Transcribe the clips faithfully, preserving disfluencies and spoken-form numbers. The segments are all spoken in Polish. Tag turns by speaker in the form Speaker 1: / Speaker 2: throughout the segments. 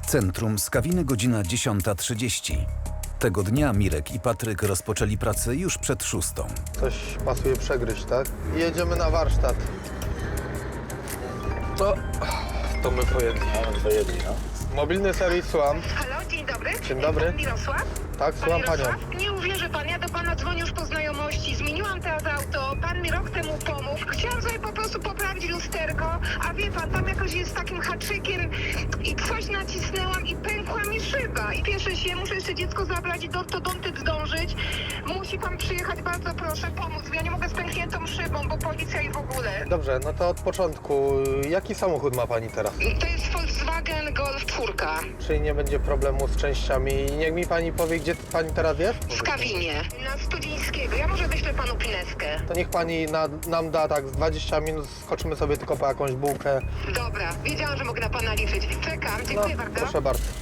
Speaker 1: Centrum Skawiny, godzina dziesiąta trzydzieści. Tego dnia Mirek i Patryk rozpoczęli pracę już przed szóstą.
Speaker 2: Coś pasuje przegryźć, tak? I jedziemy na warsztat. To, to my pojedli.
Speaker 3: No, pojedli, no.
Speaker 2: Mobilny serwis, słucham.
Speaker 4: Halo, dzień dobry.
Speaker 2: Dzień dobry.
Speaker 4: Pan Mirosław?
Speaker 2: Tak,
Speaker 4: Pan
Speaker 2: słucham panią.
Speaker 4: Mirosław? Nie uwierzy pan, ja do pana dzwonię już po znajomości. Zmieniłam teraz auto, pan mi rok temu pomógł. Chciałam sobie po prostu poprawić lusterko, a wie pan, tam jakoś jest takim haczykiem i coś nacisnęłam i pękła mi szyba. I pieszę się, muszę jeszcze dziecko zabrać i do ortodonty zdążyć. Musi pan przyjechać, bardzo proszę, pomóc. Ja nie mogę z pękniętą szybą, bo policja i w ogóle.
Speaker 2: Dobrze, no to od początku. Jaki samochód ma pani teraz?
Speaker 4: To jest Volkswagen Golf cztery.
Speaker 2: Czyli nie będzie problemu z częściami. Niech mi pani powie, gdzie pani teraz jest?
Speaker 4: W Kawinie, na Studzińskiego. Ja może wyślę panu pineskę.
Speaker 2: To niech pani na, nam da tak z dwadzieścia minut, skoczymy sobie tylko po jakąś bułkę.
Speaker 4: Dobra, wiedziałam, że mogę na pana liczyć. Czekam, dziękuję
Speaker 2: No,
Speaker 4: bardzo.
Speaker 2: proszę bardzo.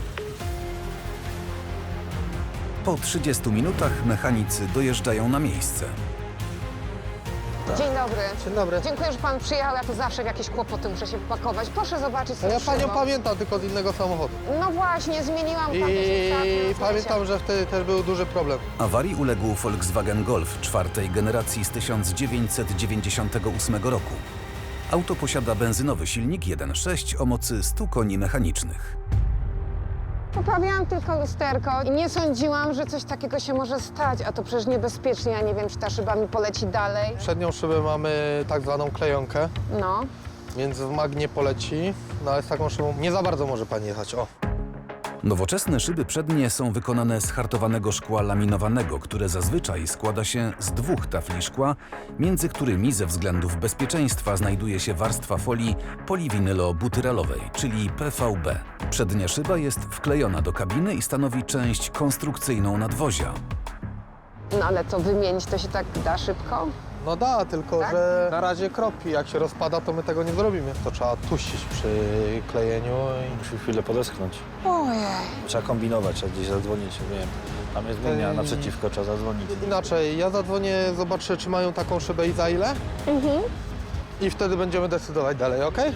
Speaker 1: Po trzydziestu minutach mechanicy dojeżdżają na miejsce.
Speaker 5: Dzień dobry.
Speaker 2: Dzień dobry.
Speaker 5: Dziękuję, że pan przyjechał. Ja to zawsze w jakieś kłopoty muszę się wpakować. Proszę zobaczyć, co
Speaker 2: No ja
Speaker 5: tu
Speaker 2: panią
Speaker 5: szybą.
Speaker 2: pamiętam, tylko z innego samochodu.
Speaker 5: No właśnie, zmieniłam
Speaker 2: I
Speaker 5: faktycznie
Speaker 2: pamiętam, że wtedy też był duży problem.
Speaker 1: Awarii uległ Volkswagen Golf czwartej generacji z tysiąc dziewięćset dziewięćdziesiątego ósmego roku. Auto posiada benzynowy silnik jeden przecinek sześć o mocy stu koni mechanicznych.
Speaker 5: Poprawiałam tylko lusterko i nie sądziłam, że coś takiego się może stać, a to przecież niebezpiecznie. Ja nie wiem, czy ta szyba mi poleci dalej.
Speaker 2: Przednią szybę mamy tak zwaną klejonkę,
Speaker 5: No.
Speaker 2: więc w mag nie poleci, no ale z taką szybą nie za bardzo może pani jechać. O.
Speaker 1: Nowoczesne szyby przednie są wykonane z hartowanego szkła laminowanego, które zazwyczaj składa się z dwóch tafli szkła, między którymi ze względów bezpieczeństwa znajduje się warstwa folii poliwinylobutyrelowej, czyli P V B. Przednia szyba jest wklejona do kabiny i stanowi część konstrukcyjną nadwozia.
Speaker 5: No ale to wymienić to się tak da szybko?
Speaker 2: No da, tylko
Speaker 5: Tak?
Speaker 2: że na razie kropi. Jak się rozpada, to my tego nie zrobimy. To trzeba tuścić przy klejeniu i...
Speaker 3: Musi chwilę podeschnąć.
Speaker 5: Ojej.
Speaker 3: Trzeba kombinować, trzeba gdzieś zadzwonić, nie wiem. Tam jest linia
Speaker 2: Ej.
Speaker 3: naprzeciwko, trzeba zadzwonić.
Speaker 2: Inaczej, ja zadzwonię, zobaczę, czy mają taką szybę i za ile.
Speaker 5: Mhm.
Speaker 2: I wtedy będziemy decydować dalej, okej?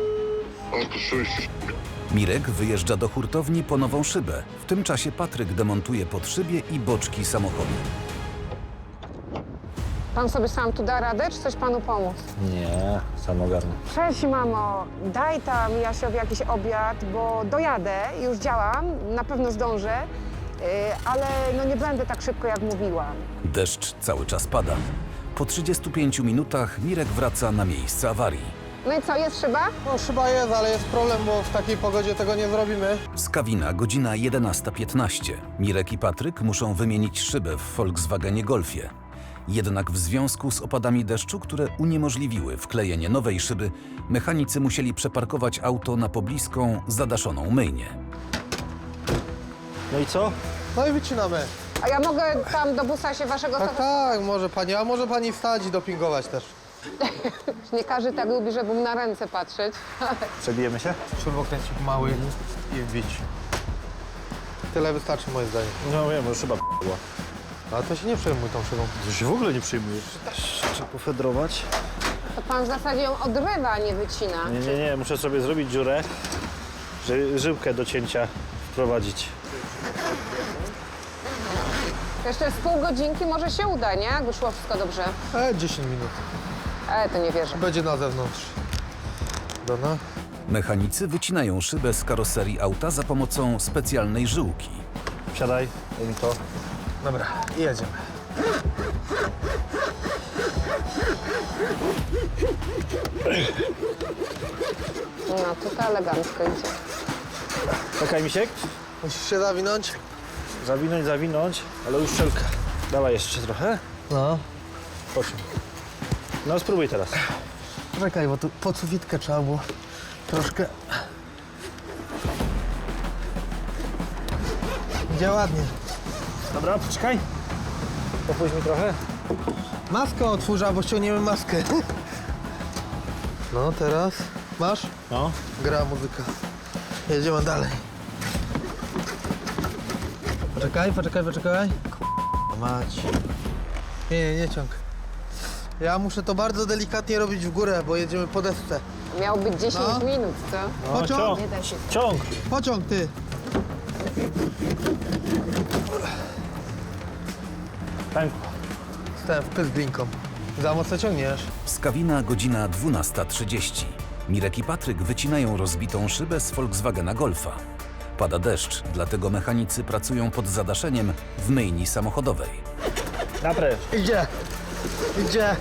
Speaker 1: Mirek wyjeżdża do hurtowni po nową szybę. W tym czasie Patryk demontuje podszybie i boczki samochodu.
Speaker 5: Pan sobie sam tu da radę, czy coś panu pomóc?
Speaker 3: Nie, sam ogarnę.
Speaker 5: Cześć, mamo. Daj tam Jasiowi jakiś obiad, bo dojadę, już działam, na pewno zdążę, yy, ale no nie będę tak szybko, jak mówiłam.
Speaker 1: Deszcz cały czas pada. Po trzydziestu pięciu minutach Mirek wraca na miejsce awarii.
Speaker 5: No i co, jest szyba?
Speaker 2: No szyba jest, ale jest problem, bo w takiej pogodzie tego nie zrobimy.
Speaker 1: Skawina, godzina jedenasta piętnaście. Mirek i Patryk muszą wymienić szybę w Volkswagenie Golfie. Jednak w związku z opadami deszczu, które uniemożliwiły wklejenie nowej szyby, mechanicy musieli przeparkować auto na pobliską, zadaszoną myjnię.
Speaker 3: No i co?
Speaker 2: No i wycinamy.
Speaker 5: A ja mogę tam do busa się waszego...
Speaker 2: Tak, tak, może pani, a może pani wstać i dopingować też.
Speaker 5: Nie każdy tak lubi, żeby mu na ręce patrzeć.
Speaker 3: Przebijemy się?
Speaker 2: Śrubokręcik mały i wbić. Tyle wystarczy moim zdaniem.
Speaker 3: No wiem, bo szyba była.
Speaker 2: Ale to się nie przejmuj tą szybą.
Speaker 3: To się w ogóle nie przyjmuje. Trzeba pofedrować.
Speaker 5: To pan w zasadzie ją odrywa, a nie wycina.
Speaker 3: Nie, nie, nie, muszę sobie zrobić dziurę, żeby żyłkę do cięcia wprowadzić.
Speaker 5: Jeszcze z pół godzinki może się uda, nie? Jak wyszło wszystko dobrze.
Speaker 2: E, dziesięć minut.
Speaker 5: E, to nie wierzę.
Speaker 2: Będzie na zewnątrz. Dobra.
Speaker 1: Mechanicy wycinają szybę z karoserii auta za pomocą specjalnej żyłki.
Speaker 3: Wsiadaj, daj mi to.
Speaker 2: Dobra, i jedziemy.
Speaker 5: No, tutaj elegancko idzie.
Speaker 3: Czekaj, Misiek.
Speaker 2: Musisz się zawinąć?
Speaker 3: Zawinąć, zawinąć, ale już wszelka. Dawaj jeszcze trochę.
Speaker 2: No.
Speaker 3: Proszę. No spróbuj teraz.
Speaker 2: Czekaj, bo tu pod sufitkę trzeba było troszkę. Idzie ładnie.
Speaker 3: Dobra, poczekaj. Popuść mi trochę.
Speaker 2: Maskę otwórz, bo ściągniemy maskę. No teraz. Masz?
Speaker 3: No.
Speaker 2: Gra muzyka. Jedziemy dalej. Poczekaj, poczekaj, poczekaj. Mać. Nie, nie, nie ciąg. Ja muszę to bardzo delikatnie robić w górę, bo jedziemy po desce.
Speaker 5: Miało być dziesięć
Speaker 2: No.
Speaker 5: minut, co?
Speaker 3: No,
Speaker 2: Pociąg?
Speaker 3: ciąg.
Speaker 5: Nie da się.
Speaker 3: Ciąg.
Speaker 2: Pociąg, ty.
Speaker 3: Pękło.
Speaker 2: Stałem w pysk glinką. Za mocno ciągniesz.
Speaker 1: Skawina, godzina dwunasta trzydzieści. Mirek i Patryk wycinają rozbitą szybę z Volkswagena Golfa. Pada deszcz, dlatego mechanicy pracują pod zadaszeniem w myjni samochodowej.
Speaker 3: Napręż.
Speaker 2: Idzie. Idzie.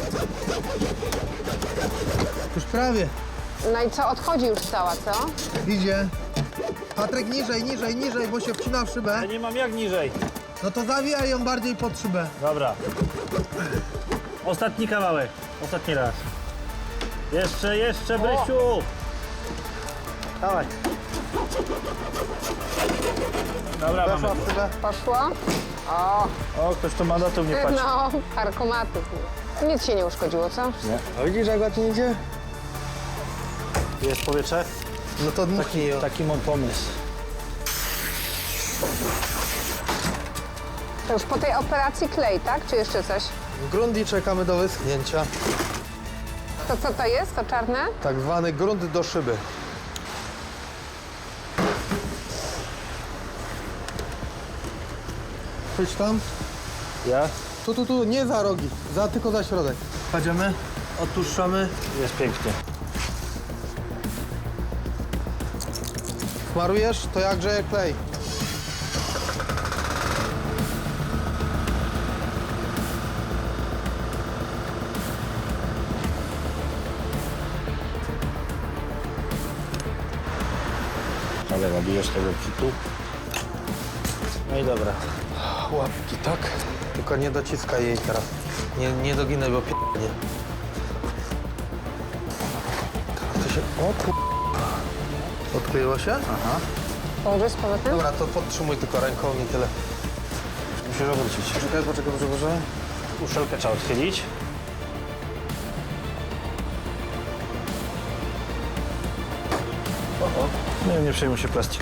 Speaker 2: Już prawie.
Speaker 5: No i co, odchodzi już cała, co?
Speaker 2: Idzie. Patryk, niżej, niżej, niżej, bo się wcina w szybę.
Speaker 3: Ja nie mam jak niżej.
Speaker 2: No to zawijaj ją bardziej pod szybę.
Speaker 3: Dobra. Ostatni kawałek. Ostatni raz. Jeszcze, jeszcze, Brysiu. Dawaj. Dobra,
Speaker 2: Weszła
Speaker 3: mamy.
Speaker 2: w szybę.
Speaker 5: Poszło? O,
Speaker 3: O, ktoś to mandatu mnie patrzy.
Speaker 5: no, parkomaty. Nic się nie uszkodziło, co?
Speaker 2: A widzisz, jak ładnie idzie?
Speaker 3: Jest powietrze?
Speaker 2: No to dmuchnij
Speaker 3: Taki,
Speaker 2: ją.
Speaker 3: taki mam pomysł.
Speaker 5: To już po tej operacji klej, tak? Czy jeszcze coś?
Speaker 2: Grunt i czekamy do wyschnięcia.
Speaker 5: To co to jest? To czarne?
Speaker 2: Tak zwany grunt do szyby. Chodź tam.
Speaker 3: Ja?
Speaker 2: Tu, tu, tu, nie za rogi, za, tylko za środek. Kładziemy, odtłuszczamy.
Speaker 3: Jest pięknie.
Speaker 2: Smarujesz, to jak grzeje klej.
Speaker 3: Ale nabijesz tego kitu. No i dobra.
Speaker 2: Łapki, tak? Tylko nie dociskaj jej teraz. Nie, nie doginaj, bo p***nie. Teraz to się... O ku... Odkleiło się? Aha.
Speaker 5: Położysz z powrotem?
Speaker 2: Dobra, to podtrzymuj tylko ręką, nie tyle.
Speaker 3: Musisz obrócić.
Speaker 2: Poczekaj, poczekaj, poczekaj.
Speaker 3: Uszelkę trzeba odchylić.
Speaker 2: O, o.
Speaker 3: Nie, nie przejmuj się, plastik.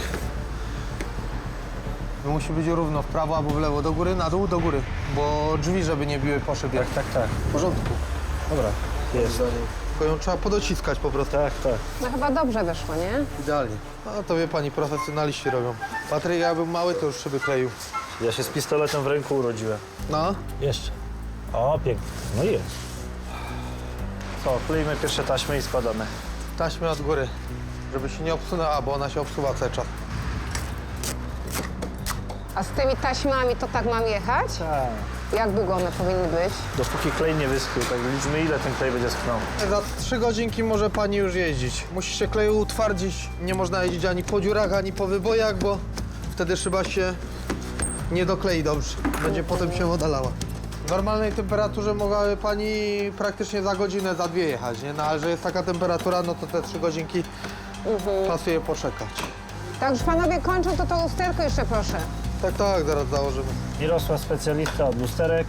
Speaker 2: Musi być równo, w prawo albo w lewo, do góry, na dół, do góry. Bo drzwi, żeby nie biły po szybie.
Speaker 3: Tak, tak, tak.
Speaker 2: W porządku.
Speaker 3: Dobra. Jest.
Speaker 2: Tylko ją trzeba podociskać po prostu.
Speaker 3: Tak, tak.
Speaker 5: No chyba dobrze wyszło, nie?
Speaker 2: Idealnie. A to wie pani, profesjonaliści robią. Patryk, ja bym mały, to już szyby kleił.
Speaker 3: Ja się z pistoletem w ręku urodziłem.
Speaker 2: No.
Speaker 3: Jeszcze. O, pięknie. No i jest. Co, klejmy pierwsze taśmy i składamy.
Speaker 2: Taśmy od góry, żeby się nie obsunęła, bo ona się obsuwa cały czas.
Speaker 5: A z tymi taśmami to tak mam jechać?
Speaker 3: Tak.
Speaker 5: Jak długo one powinny być?
Speaker 3: Dopóki klej nie wyschnie, tak liczmy ile ten klej będzie schnął.
Speaker 2: Za trzy godzinki może pani już jeździć. Musi się kleju utwardzić. Nie można jeździć ani po dziurach, ani po wybojach, bo wtedy szyba się nie doklei dobrze. Będzie potem się oddalała. W normalnej temperaturze mogłaby pani praktycznie za godzinę, za dwie jechać, nie? No ale że jest taka temperatura, no to te trzy godzinki pasuje poczekać.
Speaker 5: Tak już panowie kończą, to to lusterko jeszcze proszę.
Speaker 2: Tak, tak, zaraz założymy.
Speaker 3: Mirosław, specjalista od lusterek.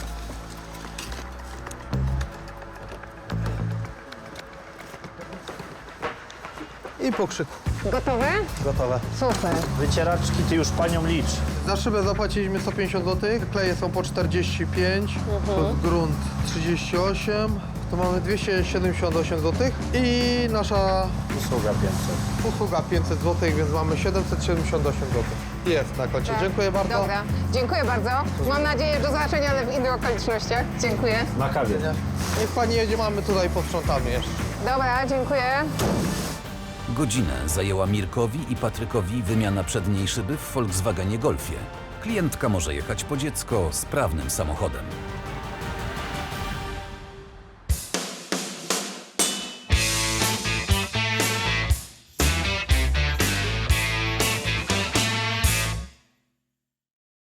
Speaker 2: I po krzyku.
Speaker 5: Gotowe?
Speaker 2: Gotowe.
Speaker 5: Super.
Speaker 3: Wycieraczki ty już panią licz.
Speaker 2: Za szybę zapłaciliśmy sto pięćdziesiąt złotych, kleje są po czterdzieści pięć, plus grunt trzydzieści osiem, to mamy dwieście siedemdziesiąt osiem złotych i nasza
Speaker 3: Usługa pięćset.
Speaker 2: usługa pięćset złotych, więc mamy siedemset siedemdziesiąt osiem złotych. Jest na koncie. Dziękuję bardzo.
Speaker 5: Dobra, dziękuję bardzo. Mam nadzieję, że do zobaczenia ale w innych okolicznościach. Dziękuję.
Speaker 3: Na kawie.
Speaker 2: Nie. Niech pani jedzie, mamy tutaj posprzątamy jeszcze.
Speaker 5: Dobra, dziękuję.
Speaker 1: Godzinę zajęła Mirkowi i Patrykowi wymiana przedniej szyby w Volkswagenie Golfie. Klientka może jechać po dziecko sprawnym samochodem.